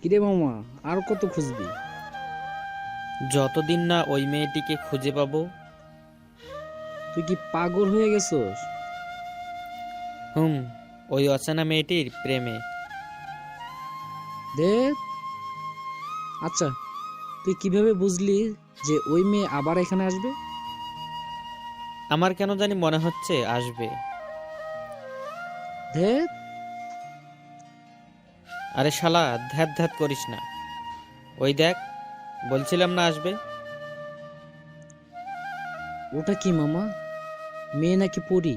কিরে মামা, আর কত খুঁজবি? যতদিন না ওই মেয়েটিকে খুঁজে পাবো। তুই কি পাগল হয়ে গেছস? হুম, ওই অচেনা মেয়েটির প্রেমে। দে। আচ্ছা, তুই কিভাবে বুঝলি যে ওই মেয়ে আবার এখানে আসবে? আমার কেন জানি মনে হচ্ছে আসবে। দে। আরে শালা, ধ্যাত ধ্যাত করিস না। ওই দেখ, বলছিলাম না আসবে। ওটা কি মামা? মেয়ে নাকি পরী?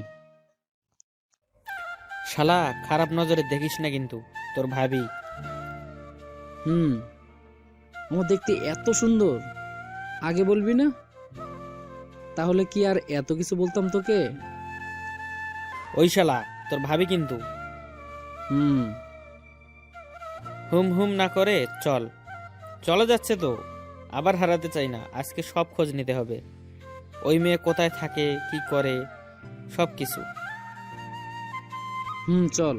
শালা, খারাপ নজরে দেখিস না কিন্তু, তোর ভাবি। হুম, ও দেখতে এত সুন্দর, আগে বলবি না? তাহলে কি আর এত কিছু বলতাম তোকে? ওই শালা, তোর ভাবি কিন্তু। হুম। হুম হুম না করে চল। চলে যাচ্ছে তো, আবার হারাতে চাই না। আজকে সব খোঁজ নিতে হবে। ওই মেয়ে কোথায় থাকে, কি করে, সব কিছু। হুম, চল।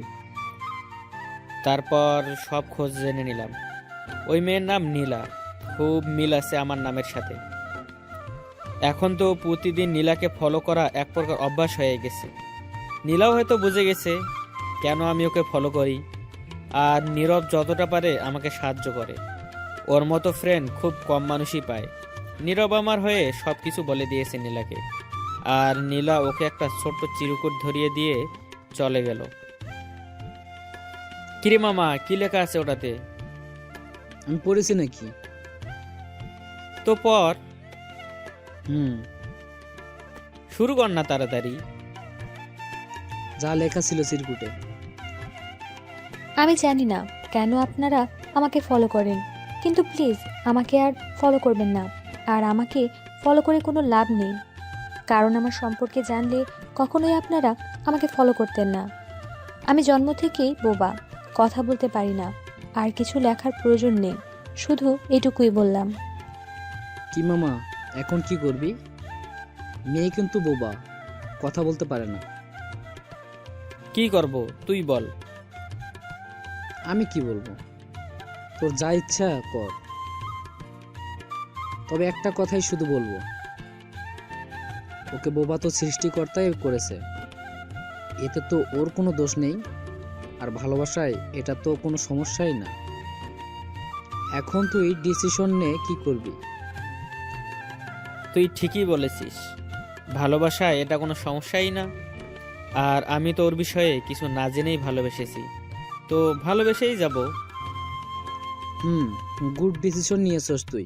তারপর সব খোঁজ জেনে নিলাম। ওই মেয়ের নাম নীলা। খুব মিল আছে আমার নামের সাথে। এখন তো প্রতিদিন নীলাকে ফলো করা এক প্রকার অভ্যাস হয়ে গেছে। নীলাও হয়তো বুঝে গেছে কেন আমি ওকে ফলো করি। আর নীরব যতটা পারে আমাকে সাহায্য করে। ওর মতো ফ্রেন্ড খুব কম মানুষই পায়। নীরব আমার হয়ে সব কিছু বলে দিয়েছে নীলাকে। আর নীলা ওকে একটা ছোট্ট চিরকুট ধরিয়ে দিয়ে চলে গেল। কিরে মামা, কি লেখা আছে ওটাতে? আমি পড়েছি নাকি? তো পর, হুম, শুরু কর না তাড়াতাড়ি। যা লেখা ছিল চিরকুটে। আমি জানি না কেন আপনারা আমাকে ফলো করেন, কিন্তু প্লিজ আমাকে আর ফলো করবেন না। আর আমাকে ফলো করে কোনো লাভ নেই, কারণ আমার সম্পর্কে জানলে কখনোই আপনারা আমাকে ফলো করতেন না। আমি জন্ম থেকেই বোবা, কথা বলতে পারি না, আর কিছু লেখার প্রয়োজন নেই। শুধু এটুকুই বললাম। কি মামা, এখন কি করবি? মেয়ে কিন্তু বোবা, কথা বলতে পারে না। কি করব তুই বল। আমি কি বলবো? তোর যা ইচ্ছা কর। তবে একটা কথাই শুধু বলবো, ওকে বোবা তো সৃষ্টিকর্তাই করেছে, এতে তো ওর কোনো দোষ নেই। আর ভালোবাসায় এটা তো কোনো সমস্যাই না। এখন তুই ডিসিশন নে, কি করবি? তুই ঠিকই বলেছিস, ভালোবাসায় এটা কোনো সমস্যাই না। আর আমি তো ওর বিষয়ে কিছু না জেনেই ভালোবেসেছি, তো ভালোবেসেই যাব। হুম, গুড ডিসিশন নিয়েছস তুই।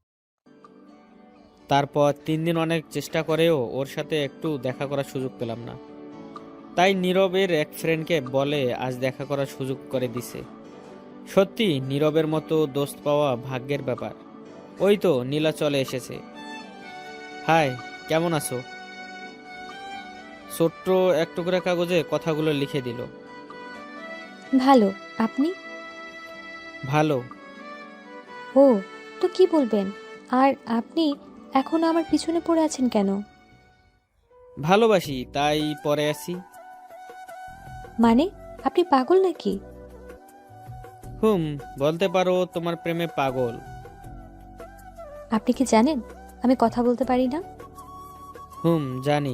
তারপর 3 দিন অনেক চেষ্টা করেও ওর সাথে একটু দেখা করার সুযোগ পেলাম না। তাই নীরবের এক ফ্রেন্ডকে বলে আজ দেখা করার সুযোগ করে দিছে। সত্যি নীরবের মতো দোস্ত পাওয়া ভাগ্যের ব্যাপার। ওই তো নীলা চলে এসেছে। হাই, কেমন আছো? ছোট্ট এক টুকরা কাগজে কথাগুলো লিখে দিল। ভালো, আপনি? ভালো। ও, তো কি বলবেন? আর আপনি এখন আমার পিছনে পড়ে আছেন কেন? ভালোবাসি তাই পরে আছি। মানে, আপনি পাগল নাকি? হুম, বলতে পারো তোমার প্রেমে পাগল। আপনি কি জানেন আমি কথা বলতে পারি না? হুম, জানি।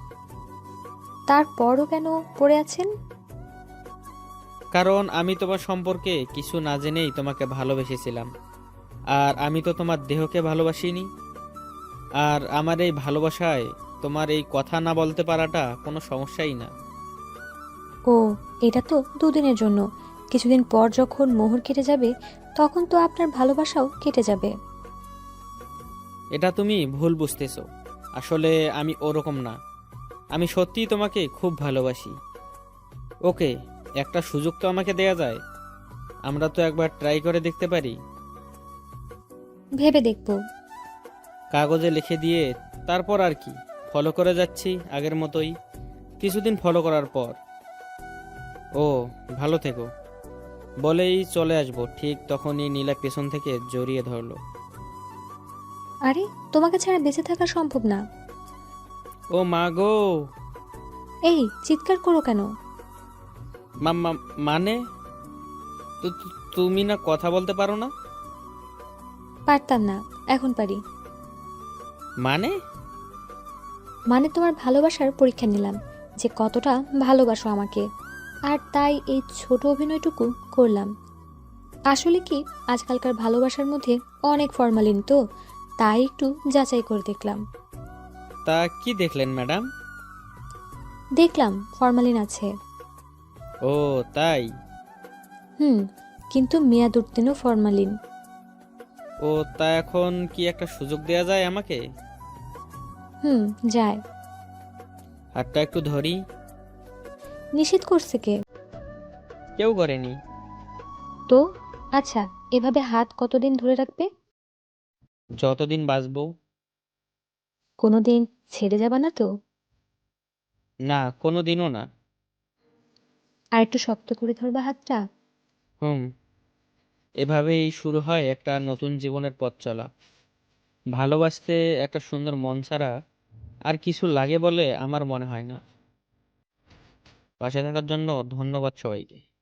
তারপরও কেন পড়ে আছেন? কারণ আমি তোমার সম্পর্কে কিছু না জেনেই তোমাকে ভালোবেসেছিলাম। আর আমি তো তোমার দেহকে ভালোবাসিনি। আর আমার এই ভালোবাসায় তোমার এই কথা না বলতে পারাটা কোনো সমস্যাই না। ও, এটা তো দুদিনের জন্য। কিছুদিন পর যখন মোহর কেটে যাবে, তখন তো আপনার ভালোবাসাও কেটে যাবে। এটা তুমি ভুল বুঝতেছো। আসলে আমি ওরকম না। আমি সত্যিই তোমাকে খুব ভালোবাসি। ওকে, একটা সুযোগ তো আমাকে দেয়া যায়। আমরা তো একবার ট্রাই করে দেখতে পারি। ভেবে দেখব। কাগজে লিখে দিয়ে তারপর আর কি, ফলো করে যাচ্ছি আগের মতোই। কিছুদিন ফলো করার পর, ও ভালো থেকো বলেই চলে আসবো, ঠিক তখনই নীলা পেছন থেকে জড়িয়ে ধরলো। আরে, তোমাকে ছাড়া বেঁচে থাকা সম্ভব না। ও মা গো! এই চিৎকার করো কেন? মানে তুমি না কথা বলতে পারো না? পারতাম না, এখন পারি। মানে? মানে তোমার ভালোবাসার পরীক্ষা নিলাম, যে কতটা ভালোবাসো আমাকে। আর তাই এই ছোট অভিনয়টুকু করলাম। আসলে কি, আজকালকার ভালোবাসার মধ্যে অনেক ফরমালিন, তো তাই একটু যাচাই করে দেখলাম। তা কি দেখলেন ম্যাডাম? দেখলাম ফরমালিন আছে। ও তাই? হুম, কিন্তু মেয়াদ উত্তীর্ণ ফরমালিন। ও তা এখন কি একটা সুযোগ দেয়া যায় আমাকে? হুম, যায়। হাতটা একটু ধরি। নিষেধ করছে কে? কেউ করেনি। তো আচ্ছা, এভাবে হাত কতদিন ধরে রাখবে? যতদিন বাঁচবো। কোনোদিন ছেড়ে যাবা না তো? না, কোনোদিনও না। আর একটু শক্ত করে ধরবা হাতটা? হুম। এভাবেই শুরু হয় একটা নতুন জীবনের পথ চলা। ভালোবাসতে একটা সুন্দর মন ছাড়া আর কিছু লাগে বলে আমার মনে হয় না। পাশে থাকার জন্য ধন্যবাদ সবাইকে।